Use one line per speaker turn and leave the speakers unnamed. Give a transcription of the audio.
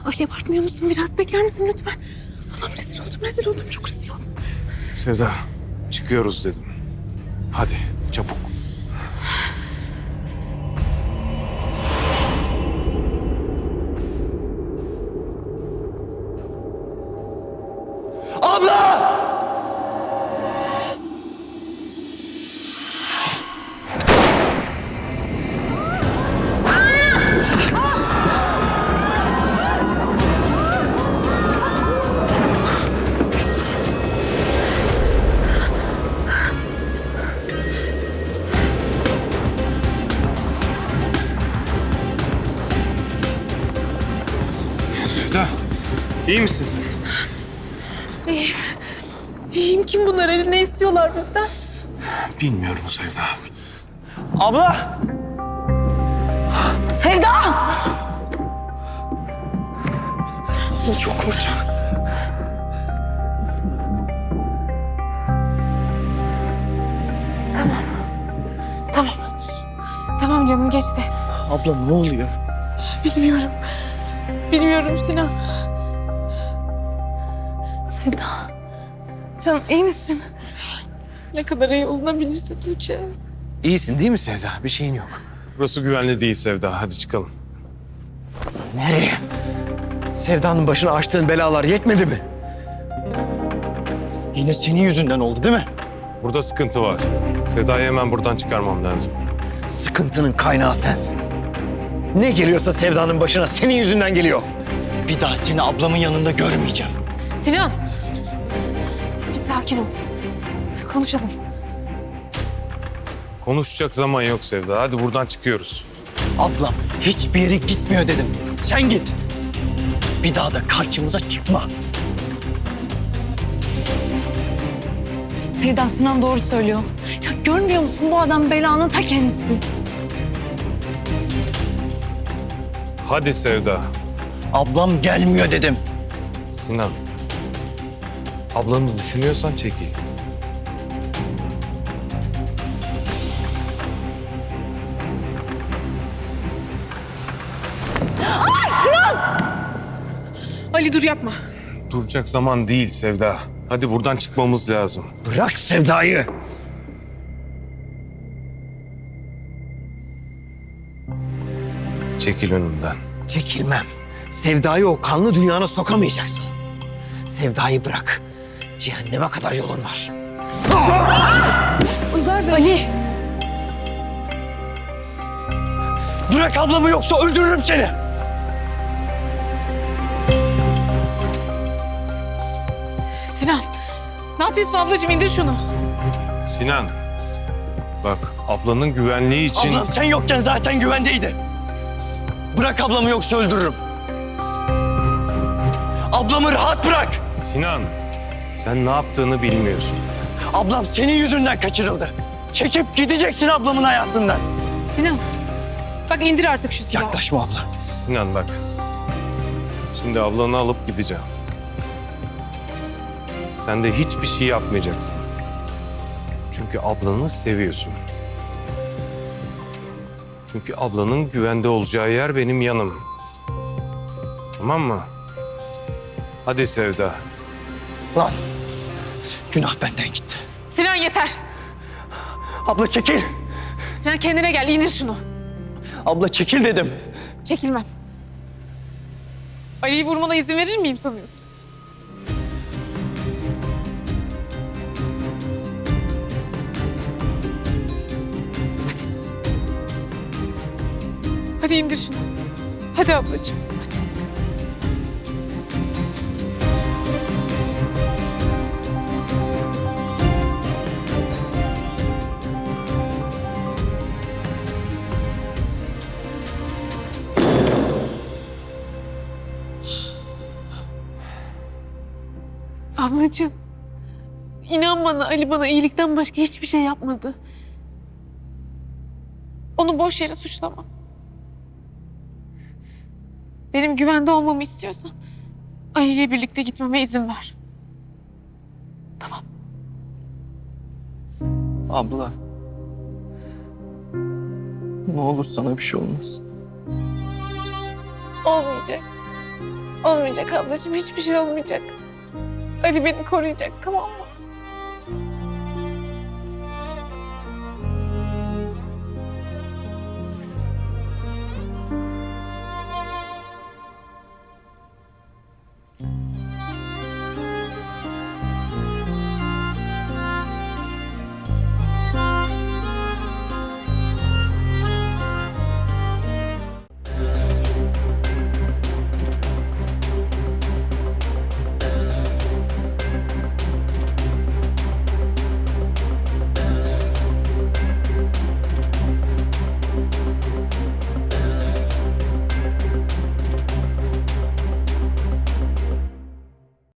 Ali abartmıyor musun? Biraz bekler misin lütfen? Allah'ım rezil oldum, çok rezil oldum.
Sevda, çıkıyoruz dedim. Hadi, çabuk.
Abla!
Sevda, iyi misin sen?
İyiyim, kim bunlar? Ali ne istiyorlar bizden?
Bilmiyorum Sevda.
Abla!
Sevda!
Abla çok korktum.
Tamam canım, geçti.
Abla ne oluyor?
Bilmiyorum Sinan. Sevda. Canım iyi misin? Ne kadar iyi olunabilirse Tuğçe.
İyisin değil mi Sevda? Bir şeyin yok.
Burası güvenli değil Sevda. Hadi çıkalım.
Nereye? Sevda'nın başına açtığın belalar yetmedi mi? Yine senin yüzünden oldu değil mi?
Burada sıkıntı var. Sevda'yı hemen buradan çıkarmam lazım.
Sıkıntının kaynağı sensin. Ne geliyorsa Sevda'nın başına senin yüzünden geliyor. Bir daha seni ablamın yanında görmeyeceğim.
Sinan! Bir sakin ol. Konuşalım.
Konuşacak zaman yok Sevda. Hadi buradan çıkıyoruz.
Ablam hiçbir yere gitmiyor dedim. Sen git. Bir daha da karşımıza çıkma.
Sevda, Sinan doğru söylüyor. Ya görmüyor musun, bu adam belanın ta kendisi.
Hadi Sevda.
Ablam gelmiyor dedim.
Sinan. Ablanı düşünüyorsan çekil.
Ali dur, yapma.
Duracak zaman değil Sevda. Hadi buradan çıkmamız lazım.
Bırak Sevda'yı.
Çekil önümden.
Çekilmem. Sevda'yı o kanlı dünyana sokamayacaksın. Sevda'yı bırak. Cehenneme kadar yolun var.
Uygar Bey.
Ali!
Bırak ablamı yoksa öldürürüm seni.
Sinan! Ne yapıyorsun ablacığım? İndir şunu.
Sinan. Bak ablanın güvenliği için...
Ablam sen yokken zaten güvendeydi. Bırak ablamı yoksa öldürürüm. Ablamı rahat bırak.
Sinan. Sen ne yaptığını bilmiyorsun.
Ablam senin yüzünden kaçırıldı. Çekip gideceksin ablamın hayatından.
Sinan! Bak indir artık şu silahı.
Yaklaşma abla.
Sinan bak. Şimdi ablanı alıp gideceğim. Sen de hiçbir şey yapmayacaksın. Çünkü ablanı seviyorsun. Çünkü ablanın güvende olacağı yer benim yanım. Tamam mı? Hadi Sevda.
Lan günah benden gitti.
Sinan yeter!
Abla çekil.
Sinan kendine gel, indir şunu.
Abla çekil dedim.
Çekilmem. Ali'yi vurmana izin verir miyim sanıyorsun? Hadi. Hadi indir şunu. Hadi ablacığım, hadi. Ablacığım, inan bana, Ali bana iyilikten başka hiçbir şey yapmadı. Onu boş yere suçlama. Benim güvende olmamı istiyorsan Ali ile birlikte gitmeme izin ver. Tamam.
Abla. Ne olur sana bir şey olmaz.
Olmayacak. Olmayacak ablacığım, hiçbir şey olmayacak. Ali beni koruyacak, tamam mı?